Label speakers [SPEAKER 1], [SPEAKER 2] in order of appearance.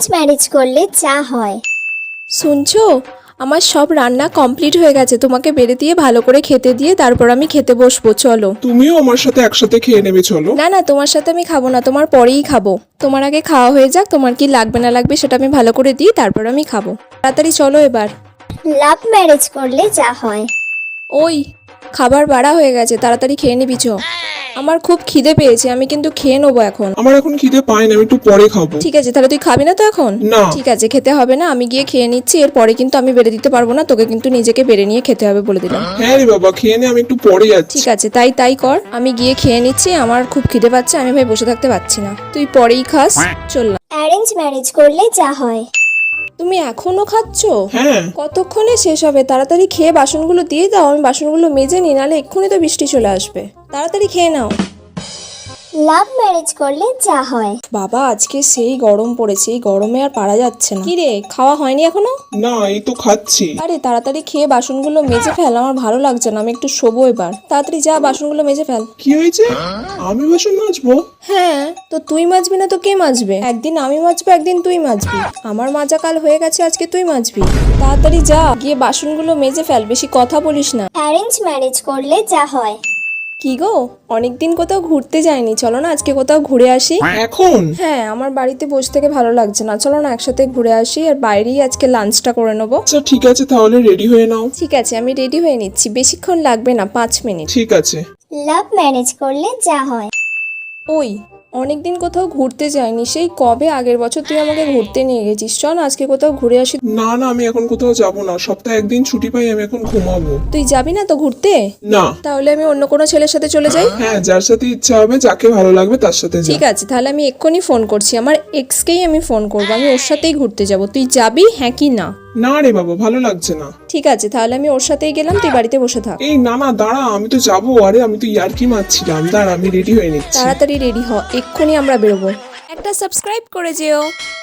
[SPEAKER 1] Marriage করলে যা হয়।
[SPEAKER 2] শুনছো, আমার সব রান্না কমপ্লিট হয়ে গেছে। তোমাকে বেড়ে দিয়ে ভালো করে খেতে দিয়ে তারপর আমি খেতে বসবো, চলো।
[SPEAKER 3] তুমিও আমার সাথে একসাথে খেয়ে নেবে, চলো।
[SPEAKER 2] না না, তোমার সাথে আমি খাবো না, তোমার পরেই খাবো। তোমার আগে খাওয়া হয়ে যাক, তোমার কি লাগবে না লাগবে সেটা আমি ভালো করে দিই, তারপর আমি খাবো। তাড়াতাড়ি চলো এবার।
[SPEAKER 1] লাভ ম্যারেজ করলে যা হয়।
[SPEAKER 2] ওই, খাবার বাড়া হয়ে গেছে, তাড়াতাড়ি খেয়ে নিবি চ। আমার খুব খিদে পেয়েছে, আমি কিন্তু খেয়ে নেবো এখন।
[SPEAKER 3] আমার এখন খিদে পায় না, আমি একটু পরে খাবো।
[SPEAKER 2] ঠিক আছে, তাহলে তুই খাবি না তো এখন?
[SPEAKER 3] না।
[SPEAKER 2] ঠিক আছে, খেতে হবে না, আমি গিয়ে খেয়ে নিচ্ছি। এরপরে কিন্তু আমি বেড়ে দিতে পারবো না, তোকে কিন্তু নিজেকে বেড়ে নিয়ে খেতে হবে বলে দিলাম।
[SPEAKER 3] হ্যাঁ রে বাবা, খেয়ে নে, আমি একটু পরে যাচ্ছি।
[SPEAKER 2] ঠিক আছে, তাই কর। আমি গিয়ে খেয়ে নিচ্ছি, আমার খুব খিদে পাচ্ছে, আমি ভাই বসে থাকতে পারছি না। তুই পরেই খাস, চললাম।
[SPEAKER 1] অ্যারেঞ্জ ম্যারেজ করলে যা হয়।
[SPEAKER 2] তুমি এখনো খাচ্ছো?
[SPEAKER 3] হ্যাঁ।
[SPEAKER 2] কতক্ষণে শেষ হবে? তাড়াতাড়ি খেয়ে বাসনগুলো দিয়ে দাও, আমি বাসনগুলো মেজে নিই, নাহলে এক্ষুনি তো বৃষ্টি চলে আসবে। তাড়াতাড়ি খেয়ে নাও।
[SPEAKER 1] লাভ ম্যারেজ করলে যা হয়।
[SPEAKER 2] বাবা, আজকে সেই গরম পড়েছে, এই গরমে আর পারা যাচ্ছে না। কি রে, খাওয়া হয়নি এখনো?
[SPEAKER 3] না, এই তো খাচ্ছি।
[SPEAKER 2] আরে তাড়াতাড়ি খেয়ে বাসনগুলো মেজে ফেল, আমার ভালো লাগছে না, আমি একটু শোবো এবার। তাড়াতাড়ি যা, বাসনগুলো মেজে ফেল।
[SPEAKER 3] কি হয়েছে? আমি বাসন মাজবো?
[SPEAKER 2] হ্যাঁ, তো তুই মাজবি না তো কে মাজবে? একদিন আমি মাজবো, একদিন তুই মাজবি। আমার মাজা কাল হয়ে গেছে, আজকে তুই মাজবি। তাড়াতাড়ি যা, গিয়ে বাসনগুলো মেজে ফেল, বেশি কথা বলিস না।
[SPEAKER 1] অ্যারেঞ্জ ম্যারেজ করলে যা হয়।
[SPEAKER 2] কি গো, অনেকদিন কোথাও ঘুরতে যাইনি, চলো না আজকে কোথাও ঘুরে আসি।
[SPEAKER 3] এখন?
[SPEAKER 2] হ্যাঁ, আমার বাড়িতে বসে থেকে ভালো লাগছে না, চলো না একসাথে ঘুরে আসি, আর বাইরেই আজকে লাঞ্চটা করে নেবো।
[SPEAKER 3] আচ্ছা ঠিক আছে, তাহলে রেডি হয়ে নাও।
[SPEAKER 2] ঠিক আছে, আমি রেডি হয়ে নিচ্ছি, বেশিক্ষণ লাগবে না, 5 মিনিট।
[SPEAKER 3] ঠিক আছে।
[SPEAKER 1] লাভ ম্যারেজ করলে যা হয়।
[SPEAKER 2] ওই, অনেকদিন কোথাও ঘুরতে যাইনি, সেই কবে আগের বছর তুই আমাকে ঘুরতে নিয়ে গেছিস। চল না আজকে কোথাও ঘুরে আসি।
[SPEAKER 3] না না, আমি এখন কোথাও যাব না, সপ্তাহে একদিন ছুটি পাই, আমি এখন ঘুমাবো।
[SPEAKER 2] তুই যাবি না তো ঘুরতে?
[SPEAKER 3] না।
[SPEAKER 2] তাহলে আমি অন্য কোনো ছেলের সাথে চলে যাই।
[SPEAKER 3] হ্যাঁ, যার সাথে ইচ্ছা হবে, যাকে ভালো লাগবে তার সাথে যা।
[SPEAKER 2] ঠিক আছে, তাহলে আমি এক্ষুনি ফোন করছি, আমার এক্সকেই আমি ফোন করবো, আমি ওর সাথেই ঘুরতে যাব। তুই যাবি, হ্যাঁ কি না?
[SPEAKER 3] না রে বাবা, ভালো লাগছে না।
[SPEAKER 2] ঠিক আছে, তাহলে আমি ওর সাথেই গেলাম, তুই বাড়িতে বসে থাক।
[SPEAKER 3] এই না না, দাঁড়া, আমি তো যাবো। আরে আমি তো ইয়ার্কি মারছিলাম, দাঁড়া আমি রেডি হয়ে নিচ্ছি।
[SPEAKER 2] তাড়াতাড়ি রেডি হ, এক্ষুনি আমরা বেরোবো। একটা সাবস্ক্রাইব করে যেও।